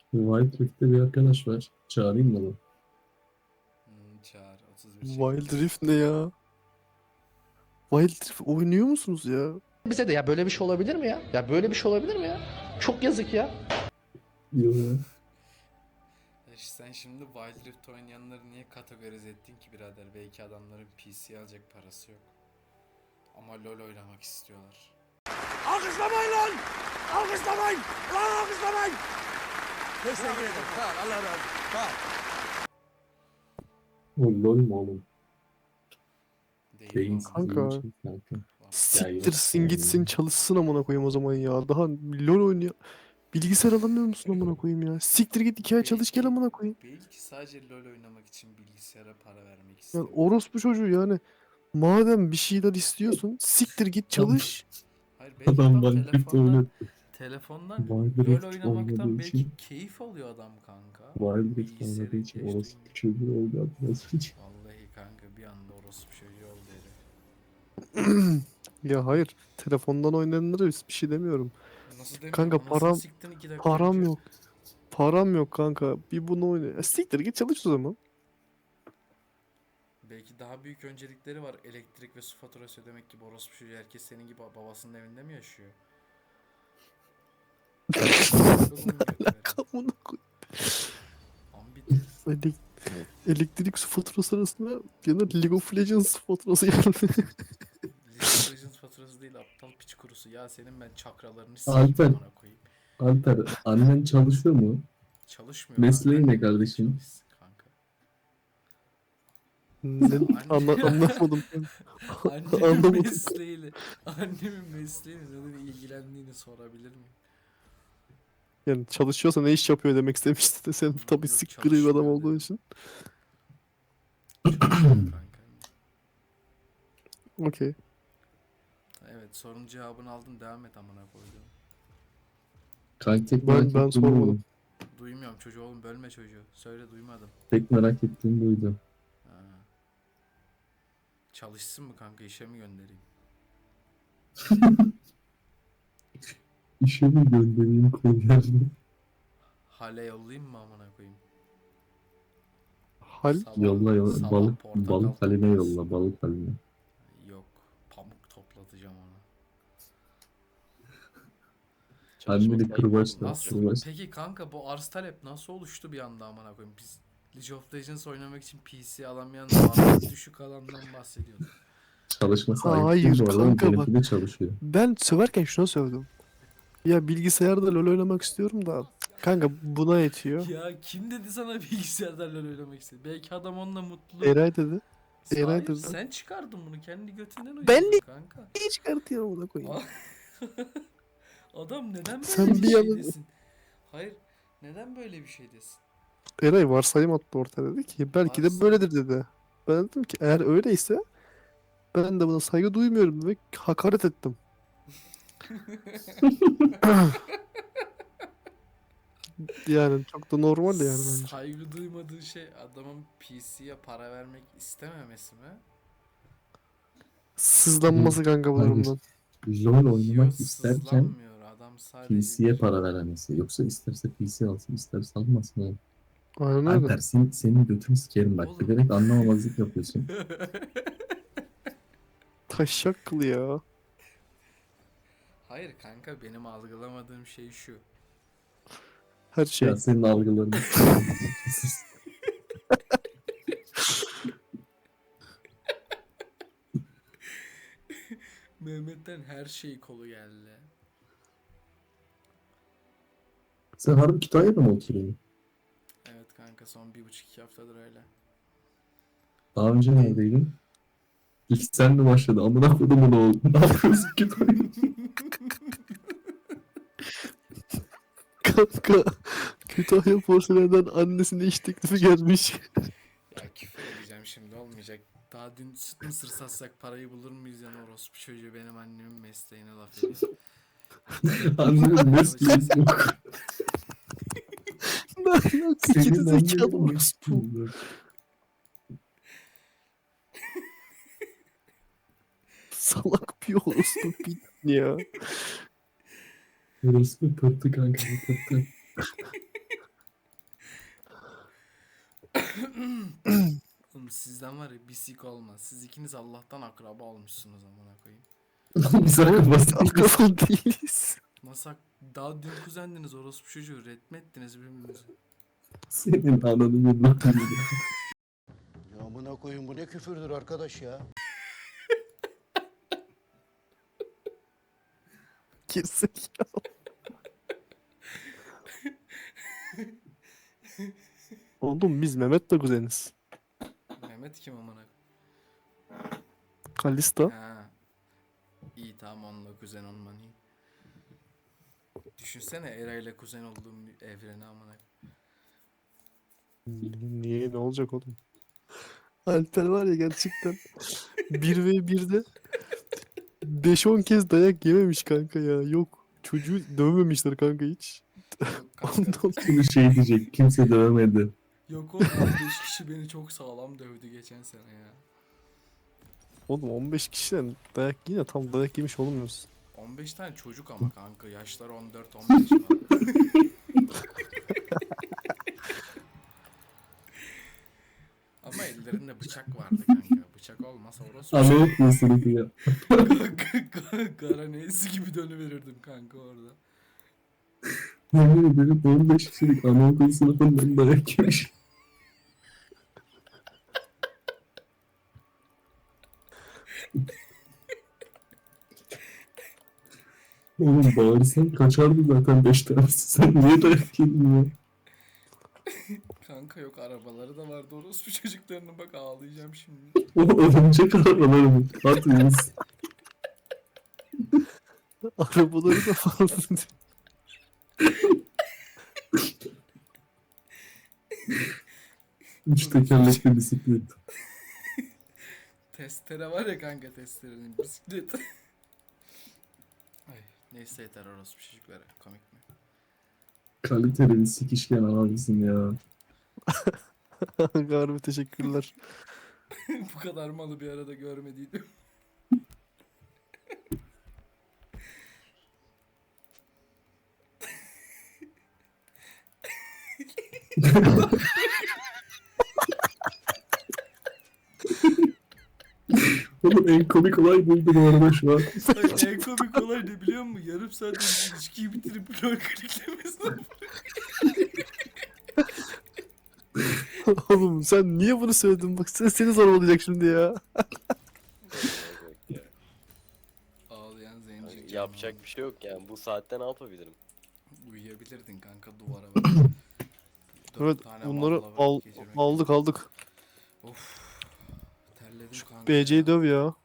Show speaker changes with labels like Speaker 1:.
Speaker 1: Wild Rift'te bir arkadaş var. Çağırayım mı onu?
Speaker 2: Çağır 31
Speaker 3: Wild
Speaker 2: çekti.
Speaker 3: Rift ne ya? Wild Rift oynuyor musunuz ya?
Speaker 4: Bize de ya böyle bir şey olabilir mi ya? Ya böyle bir şey olabilir mi ya? Çok yazık ya.
Speaker 1: Yok ya.
Speaker 2: Sen şimdi Wild Rift oynayanları niye kategorize ettin ki birader? Belki adamların PC alacak parası yok. Ama LoL oynamak istiyorlar.
Speaker 5: Alkışlamayın lan! Alkışlamayın! Lan alkışlamayın! Teşekkür ederim. Sağ ol. Allah razı olsun. Sağ ol.
Speaker 1: O LOL mu oğlum?
Speaker 2: Değil
Speaker 1: Beyin
Speaker 2: mi?
Speaker 3: Kanka.
Speaker 1: sızlığı için kanka.
Speaker 3: Siktirsin
Speaker 1: yani.
Speaker 3: gitsin çalışsın amına koyayım o zaman ya. Daha LoL oynuyor. Bilgisayar alamıyor musun amına koyayım ya? Siktir git 2 ay çalış gel amına koyayım.
Speaker 2: Belki sadece LoL oynamak için bilgisayara para vermek
Speaker 3: Yani
Speaker 2: istiyor.
Speaker 3: orospu çocuğu yani. Madem bir şeyler istiyorsun siktir git çalış.
Speaker 2: Hayır belki
Speaker 1: Adam
Speaker 2: adam
Speaker 1: Wild Rift
Speaker 2: telefondan,
Speaker 1: oynadı.
Speaker 2: telefondan
Speaker 1: Wild
Speaker 2: LoL
Speaker 1: Rift
Speaker 2: oynamaktan
Speaker 1: oynadığı
Speaker 2: belki
Speaker 1: için.
Speaker 2: keyif alıyor adam kanka.
Speaker 1: Wild Rift oynadığı
Speaker 2: Bilgisayarın
Speaker 1: için
Speaker 2: geç
Speaker 1: orası
Speaker 2: duymuyor.
Speaker 1: çocuğu oldu biraz önce.
Speaker 2: Vallahi kanka bir anda orospu çocuğu oldu herif.
Speaker 3: Ya hayır. Telefondan oynayanlara bir şey demiyorum.
Speaker 2: Nasıl demiyorum?
Speaker 3: Kanka
Speaker 2: Anasını siktin 2 dakika
Speaker 3: param
Speaker 2: önce.
Speaker 3: yok. Param yok kanka. Bir bunu oyna. Siktir git çalış o zaman.
Speaker 2: Belki daha büyük öncelikleri var. Elektrik ve su faturası ödemek gibi orospu çocuğu. Herkes senin gibi babasının evinde mi yaşıyor?
Speaker 3: Amına koy.
Speaker 2: Ambitir.
Speaker 3: Elek- Elektrik su faturası arasında genel League of Legends faturası yani.
Speaker 2: League of Legends faturası değil aptal piç kurusu. Ya senin ben çakralarını sikeyim
Speaker 1: Alper.
Speaker 2: amına koyayım.
Speaker 1: Alper, annen çalışıyor mu?
Speaker 2: Çalışmıyor.
Speaker 1: Mesleği
Speaker 2: kanka.
Speaker 1: ne kardeşim?
Speaker 2: Çalışsın kanka.
Speaker 3: Anlamadım.
Speaker 2: Annemin
Speaker 3: Anlamadım.
Speaker 2: mesleğiyle, annemin mesleğiyle neden ilgilendiğini sorabilir miyim?
Speaker 3: Yani çalışıyorsa ne iş yapıyor demek istemişti de sen tabii
Speaker 2: Yok,
Speaker 3: siktir bir adam
Speaker 2: çalışmıyor
Speaker 3: olduğu
Speaker 2: dedim.
Speaker 3: için.
Speaker 2: Kanka.
Speaker 3: Okey.
Speaker 2: Evet sorunun cevabını aldım devam et amına koydum.
Speaker 1: Kanka tek
Speaker 3: Ben-
Speaker 1: merak
Speaker 3: ben
Speaker 1: ettiğim
Speaker 3: sormadım.
Speaker 1: buydu.
Speaker 2: Duymuyorum çocuğu oğlum bölme çocuğu. Söyle duymadım.
Speaker 1: Tek merak ettiğim buydu.
Speaker 2: Ha. Çalışsın mı kanka işe mi göndereyim?
Speaker 1: İşe mi göndereyim kolyerle?
Speaker 2: Hale yollayayım mı amına koyayım?
Speaker 3: Hal
Speaker 1: Yolla yolla.
Speaker 2: sabah
Speaker 1: Balık,
Speaker 2: portakal
Speaker 1: balık haline
Speaker 2: toplasın.
Speaker 1: yolla. Balık haline.
Speaker 2: Yok pamuk toplatacağım ona.
Speaker 1: Anneni kırbaçla.
Speaker 2: Nasıl?
Speaker 1: Kırbaç.
Speaker 2: Peki kanka bu arz talep nasıl oluştu bir anda amına koyayım? Biz League of Legends oynamak için PC alamayan maliyet düşük alandan bahsediyorduk.
Speaker 1: Çalışması ayıp
Speaker 3: Hayır
Speaker 1: değil bu arada.
Speaker 3: kanka bak.
Speaker 1: Benimki de çalışıyor.
Speaker 3: ben söverken şuna sövdüm. Ya bilgisayarda LoL oynamak istiyorum da kanka buna yetiyor.
Speaker 2: Ya kim dedi sana bilgisayardan LoL oynamak istedi? Belki adam onunla mutlu.
Speaker 3: Eray dedi. Eray
Speaker 2: Hayır,
Speaker 3: dedi.
Speaker 2: sen çıkardın bunu kendi götünden uydurdun
Speaker 3: Ben de-
Speaker 2: kanka.
Speaker 3: Niye çıkartıyor ona koyayım?
Speaker 2: Adam neden böyle
Speaker 3: Sen
Speaker 2: bir
Speaker 3: bir
Speaker 2: şey
Speaker 3: yana-
Speaker 2: desin? Hayır neden böyle bir şey desin?
Speaker 3: Eray varsayım attı ortaya dedi ki belki de
Speaker 2: Varsayım.
Speaker 3: böyledir dedi. Ben dedim ki eğer öyleyse ben de buna saygı duymuyorum ve hakaret ettim. Yani çok da normal yani bence.
Speaker 2: Saygı duymadığı şey adamın PC'ye para vermek istememesi mi?
Speaker 3: Sızlanması kanka bu
Speaker 1: Hayır.
Speaker 3: durumdan.
Speaker 1: LOL
Speaker 2: Yok
Speaker 1: oynamak isterken
Speaker 2: sızlanmıyor adam sadece
Speaker 1: PC'ye para veremesi. Yoksa isterse PC alsın, isterse almasın. Yani.
Speaker 3: Aynen öyle.
Speaker 1: Alper senin götünü sikerim bak.
Speaker 2: Oğlum.
Speaker 1: Bilerek anlamamazlık yapıyorsun.
Speaker 3: Taşak kılı ya.
Speaker 2: Hayır kanka benim algılamadığım şey şu.
Speaker 3: Her şey.
Speaker 1: Ya senin algıların.
Speaker 2: Mehmet'ten her şey kolu geldi.
Speaker 1: Sen harbi Kütahya'da mı oturuyorsun?
Speaker 2: Evet kanka son 1,5-2 haftadır öyle.
Speaker 1: Daha önce neredeydin? İlk sen mi başladı? Amına kodumun oğlu. Ne yapıyorsun Kütahya'da?
Speaker 3: Kanka Kütahya Porselen'den annesine iş teklifi gelmiş.
Speaker 2: Ya küfür edeceğim şimdi olmayacak. Daha dün süt mısır satsak parayı bulur muyuz yani orospu çocuğu benim annemin mesleğine laf ediyor.
Speaker 1: Annemin mesleği yok.
Speaker 3: Ne alaka geri zekalı
Speaker 1: annenin
Speaker 3: orospu.
Speaker 1: mesleği yok.
Speaker 3: Salak bir orospu bir ya.
Speaker 1: Orası pırtı kanka pırtı.
Speaker 2: Oğlum sizden var ya bir sik olmaz. Siz ikiniz Allah'tan akraba olmuşsunuz amına koyayım.
Speaker 1: Biz akabası
Speaker 3: Akraba değiliz.
Speaker 2: Nasıl daha dün kuzendiniz orospu çocuğu retmettiniz birbirinizi.
Speaker 1: senin ananı yıllatın.
Speaker 6: Ya amına koyun bu ne küfürdür arkadaş ya.
Speaker 3: Gerizekalı. Oğlum biz Mehmet'le kuzeniz.
Speaker 2: Mehmet kim amına?
Speaker 3: Kalista.
Speaker 2: Ha. İyi tamam onunla kuzen olman iyi. Düşünsene Era ile kuzen olduğum bir evreni amına.
Speaker 3: Niye ne olacak oğlum? Alper var ya gerçekten 1v1'de 5-10 kez dayak yememiş kanka ya. Yok. Çocuğu dövmemişler kanka hiç.
Speaker 2: Yok kanka.
Speaker 3: Ondan
Speaker 1: Şimdi şey diyecek. Kimse dövmedi.
Speaker 2: Yok oğlum 15 kişi beni çok sağlam dövdü geçen sene ya.
Speaker 3: oğlum 15 kişiden dayak yine tam dayak yemiş olmuyorsun.
Speaker 2: 15 tane çocuk ama kanka yaşları 14-15 falan. Ama ellerinde bıçak vardı kanka. Bıçak olmasa orası
Speaker 1: Anaokulu sınıfı ya.
Speaker 2: Kara neysi gibi dönüverirdim kanka orada.
Speaker 1: Yemin ederim 15 kişilik anaokulu sınıfından dayak yemiş. Oğlum bağırsan kaçardı zaten 5 tanesi. Sen niye dayak yedin ya?
Speaker 2: Kanka yok arabaları da vardı orospu çocuklarına bak ağlayacağım şimdi.
Speaker 1: O örümcek arabaları mı? Hatırlıyoruz.
Speaker 3: Arabaları da fazla.
Speaker 1: Üç tekerlekli bisiklet.
Speaker 2: Testere var ya kanka testerenin bisiklet. Ay, neyse yeter orospu çocuklara komik mi?
Speaker 1: Kaliteli bir sikişken abimsin ya.
Speaker 3: Harbi teşekkürler.
Speaker 2: Bu kadar malı bir arada görmediydim.
Speaker 1: Oğlum en komik olay buydu bu arada şu an.
Speaker 2: Ay, en komik olay ne biliyor musun? Yarım saat ilişkiyi bitirip lol kliklemesi.
Speaker 3: Oğlum sen niye bunu söyledin? Bak seni zorbalayacak şimdi ya.
Speaker 2: Ağlayan zenci. canım.
Speaker 7: Yapacak bir şey yok yani. Bu saatte ne yapabilirim?
Speaker 2: Uyuyabilirdin kanka duvara bak.
Speaker 3: Evet bunları aldık.
Speaker 2: Of. Terledim kanka.
Speaker 3: BC'yi döv ya.